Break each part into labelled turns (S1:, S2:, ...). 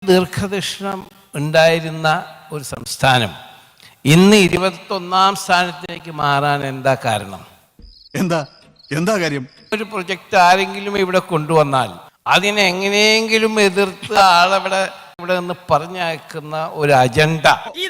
S1: ദീർഘദർശനം ഉണ്ടായിരുന്ന ഒരു സംസ്ഥാനം ഇന്ന് 21ാം സ്ഥാനത്തേക്ക് മാറാൻ എന്താ കാരണം?
S2: എന്താ കാര്യം?
S1: ഒരു പ്രൊജക്റ്റ് ആരെങ്കിലും ഇവിടെ കൊണ്ടുവന്നാൽ അതിനെ എങ്ങനെയെങ്കിലും എതിർത്ത് ആളവിടെ ഇവിടെ നിന്ന് പറഞ്ഞയക്കുന്ന ഒരു അജണ്ട.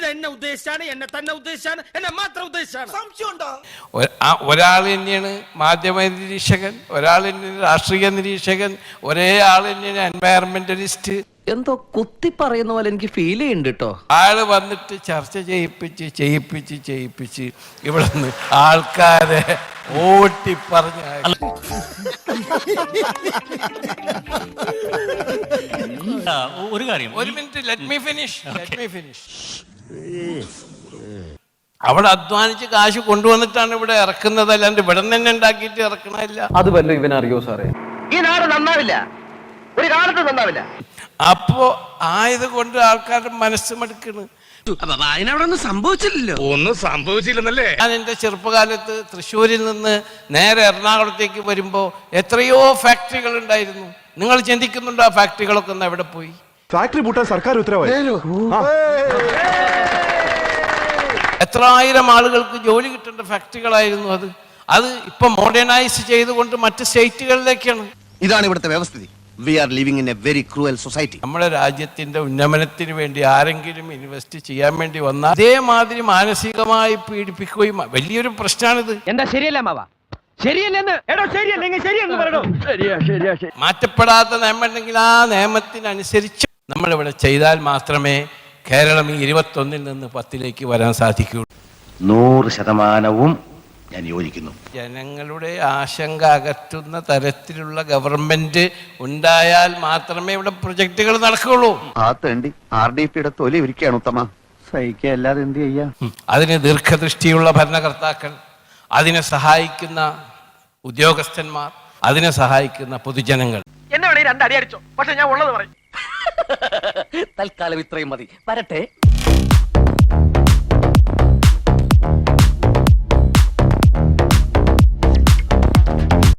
S1: ഒരാൾ തന്നെയാണ് മാധ്യമ നിരീക്ഷകൻ, ഒരാൾ തന്നെയാണ് രാഷ്ട്രീയ നിരീക്ഷകൻ, ഒരേ ആൾ തന്നെയാണ് എൻവയറമെന്റലിസ്റ്റ്.
S3: എന്തോ കുത്തി പറയുന്ന പോലെ എനിക്ക് ഫീൽ ചെയ്യുന്നുണ്ട് കേട്ടോ.
S1: ആള് വന്നിട്ട് ചർച്ച ചെയ്യിപ്പിച്ച് ഇവിടെ നിന്ന് ആൾക്കാരെ ഓട്ടി പറഞ്ഞ
S4: ഒരു കാര്യം,
S1: ഒരു മിനിറ്റ്, ലെറ്റ് മീ ഫിനിഷ്. അവിടെ അധ്വാനിച്ച് കാശ് കൊണ്ടുവന്നിട്ടാണ് ഇവിടെ ഇറക്കുന്നത്, അല്ലാണ്ട് ഇവിടെ തന്നെ ഉണ്ടാക്കിയിട്ട് ഇറക്കണമില്ല.
S3: അത് വല്ല ഇവനറിയോ സാറേ? ഈ നാട് നന്നാവില്ല, ഒരു കാലത്ത് നന്നാവില്ല.
S1: അപ്പോ ആയത് കൊണ്ട് ആൾക്കാരുടെ മനസ്സ് മടുക്കണ്.
S4: ഒന്നും സംഭവിച്ചില്ലെന്നല്ലേ?
S1: ഞാൻ എൻ്റെ ചെറുപ്പകാലത്ത് തൃശ്ശൂരിൽ നിന്ന് നേരെ എറണാകുളത്തേക്ക് വരുമ്പോൾ എത്രയോ ഫാക്ടറികൾ ഉണ്ടായിരുന്നു. നിങ്ങൾ ചിന്തിക്കുന്നുണ്ടോ ആ ഫാക്ടറികളൊക്കെ ഒന്ന് എവിടെ പോയി?
S2: ഫാക്ടറി പൂട്ടാൻ സർക്കാർ ഉത്തരവായി.
S1: എത്ര ആയിരം ആളുകൾക്ക് ജോലി കിട്ടേണ്ട ഫാക്ടറികളായിരുന്നു അത് ഇപ്പൊ മോഡേണൈസ് ചെയ്തുകൊണ്ട് മറ്റ് സ്റ്റേറ്റുകളിലേക്കാണ്.
S5: ഇതാണ് ഇവിടുത്തെ വ്യവസ്ഥിതി. We are living in a very cruel society.
S1: നമ്മുടെ രാജ്യത്തിന്റെ ഉന്നമനത്തിന് വേണ്ടി ആരെങ്കിലും ഇൻവെസ്റ്റ് ചെയ്യാൻ വേണ്ടി വന്നാൽ അതേമാതിരി മാനസികമായി പീഡിപ്പിക്കുകയും വലിയൊരു പ്രശ്നമാണിത്.
S3: എന്താ ശരിയല്ല മാവ?
S1: മാറ്റപ്പെടാത്ത നിയമം ഉണ്ടെങ്കിൽ ആ നിയമത്തിനനുസരിച്ച് നമ്മളിവിടെ ചെയ്താൽ മാത്രമേ കേരളം ഈ 21ൽ നിന്ന് 10ലേക്ക് വരാൻ സാധിക്കുകയുള്ളൂ.
S5: 100% ഞാൻ യോജിക്കുന്നു.
S1: ജനങ്ങളുടെ ആശങ്ക അകറ്റുന്ന തരത്തിലുള്ള ഗവൺമെന്റ് ഉണ്ടായാൽ മാത്രമേ ഇവിടെ പ്രൊജക്ടുകൾ നടക്കുകയുള്ളൂ.
S5: ആ തേണ്ടി RDPയുടെ തൊലി ഇരിക്കുകയാണ് ഉത്തമ. സഹിക്കല്ലാതെ എന്ത് ചെയ്യാ?
S1: അതിന് ദീർഘദൃഷ്ടിയുള്ള ഭരണകർത്താക്കൾ, അതിനെ സഹായിക്കുന്ന ഉദ്യോഗസ്ഥന്മാർ, അതിനെ സഹായിക്കുന്ന പൊതുജനങ്ങൾ.
S3: എന്നെ വേണേ 2 അടി അടിച്ചോ, പക്ഷെ ഞാൻ ഉള്ളത് പറയും. തൽക്കാലം ഇത്രയും മതി. വരട്ടെ.